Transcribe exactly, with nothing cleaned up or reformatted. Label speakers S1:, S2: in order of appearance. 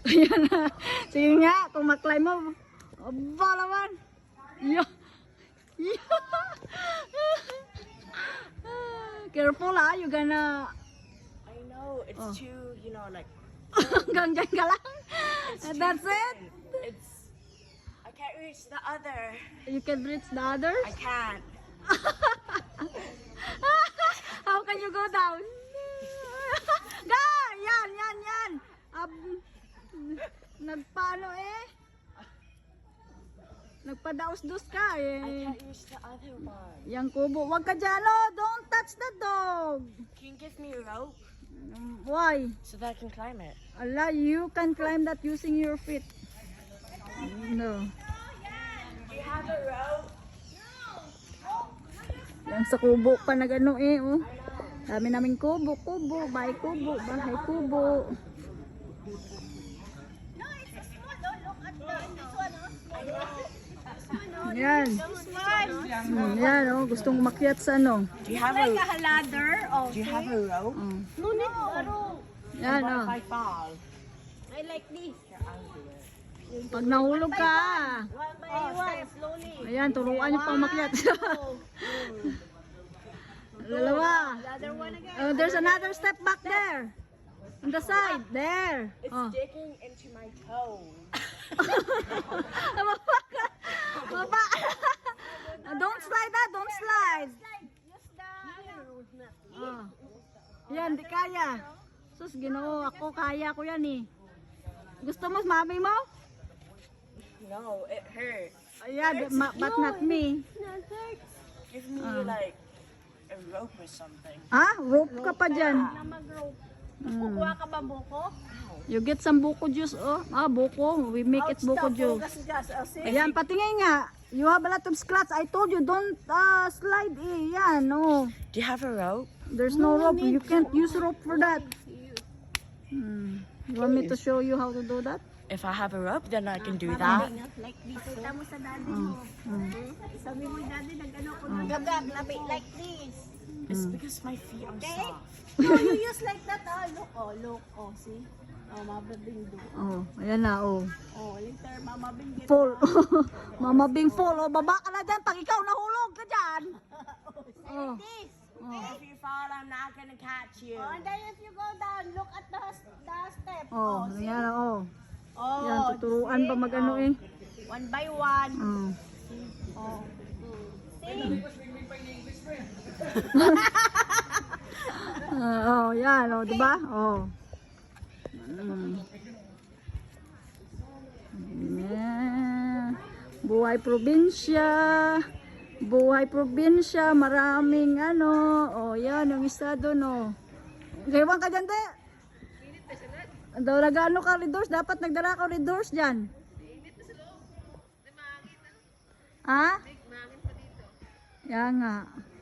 S1: Ayan na. Sige nga, kung maklimb mo. Aba naman. Yeah. Yeah. Careful ah, you gonna...
S2: I know, it's
S1: Oh.
S2: too, you know, like...
S1: Hanggang dyan ka lang.
S2: It's too
S1: That's it.
S2: thin. It's... I can't reach the other.
S1: You can reach the others.
S2: I can't.
S1: How can you go down? Ga! Yan, yan, yan. Ab Nagpaano eh? Nagpadaos-dos ka
S2: I
S1: eh.
S2: can't reach the other one.
S1: Yang kubo. Wag ka dyan, oh. Don't touch the dog.
S2: Can you give me a rope
S1: Um, Why?
S2: so that I can climb it?
S1: Allah, you can climb that using your feet. No.
S2: Do you have a rope?
S1: Yang sa kubo pa na gano eh, oh. Dami naming kubo, kubo, bahay kubo, bahay kubo. Yan. Hmm, yan, oh. Gustong umakyat sa ano.
S2: Do you have a,
S3: a ladder. Oh,
S2: do you have a rope?
S1: Oh.
S3: no need no.
S1: Yan,
S2: What
S1: oh.
S2: if I fall?
S3: I like this.
S1: Pag nahulog ka.
S3: One by one, slowly.
S1: Ayan, turuan niyo pa umakyat. Dalawa.
S3: The other one again.
S1: Oh, there's another step back there. On the side. There.
S2: It's
S1: Oh.
S2: digging into my toes.
S1: Baba. Don't slide that. Don't slide.
S3: Use the...
S1: Oh. Yan, di kaya. Sus, ginoo. Ako, kaya ko yan eh. Gusto mo, mami mo?
S2: No, it hurts.
S1: Ayan, ma- but not me.
S2: Give me
S1: Ah.
S2: like a rope or something.
S1: Ah, rope ka pa dyan.
S3: Na mag-rope.
S1: Mm.
S3: Kukuha ka ba buko?
S1: You get some buko juice, oh. Ah, buko. We make it buko juice.
S3: Gas, oh, see?
S1: Ayan, patingin nga. You have a lot of scratch. I told you, don't uh, slide eh. Yan, oh.
S2: Do you have a rope?
S1: There's no rope. You can't use rope for that. Hmm. You want me to show you how to do that?
S2: If I have a rope, then I can do that.
S3: Like this. Kita mo sa daddy
S1: Oh.
S3: mo.
S1: Hmm.
S3: Sabi mo, daddy, nag-ano ko na. Gagag, labi, like this.
S2: It's because my feet are soft.
S3: No, you use like that, ah. Look, oh, look, oh, see? Oh, mababing do.
S1: Oh, ayan na, oh.
S3: Oh, later, mamabing get.
S1: Full. Mama Bing full. Oh, baba ka na dyan. Pag ikaw nahulog ka dyan. Oh.
S3: This.
S2: If you fall, I'm not gonna catch you.
S3: Oh, and then if you go down, look at the, the step.
S1: Oh,
S3: see?
S1: ayan, oh.
S3: Oh,
S1: Yan, tuturuan pa magano eh.
S3: one by one.
S1: Oh.
S3: Oh. See?
S1: Ah, oh, yan, oh, di ba? Oh. Mm. Yeah. Buhay probinsya. Buhay probinsya, maraming ano. Oh, yan, yung isa doon, oh. Gawang ka dyan, te. Daw nagano ka redors, dapat nagdala ka redors dyan. Ha? Yan nga.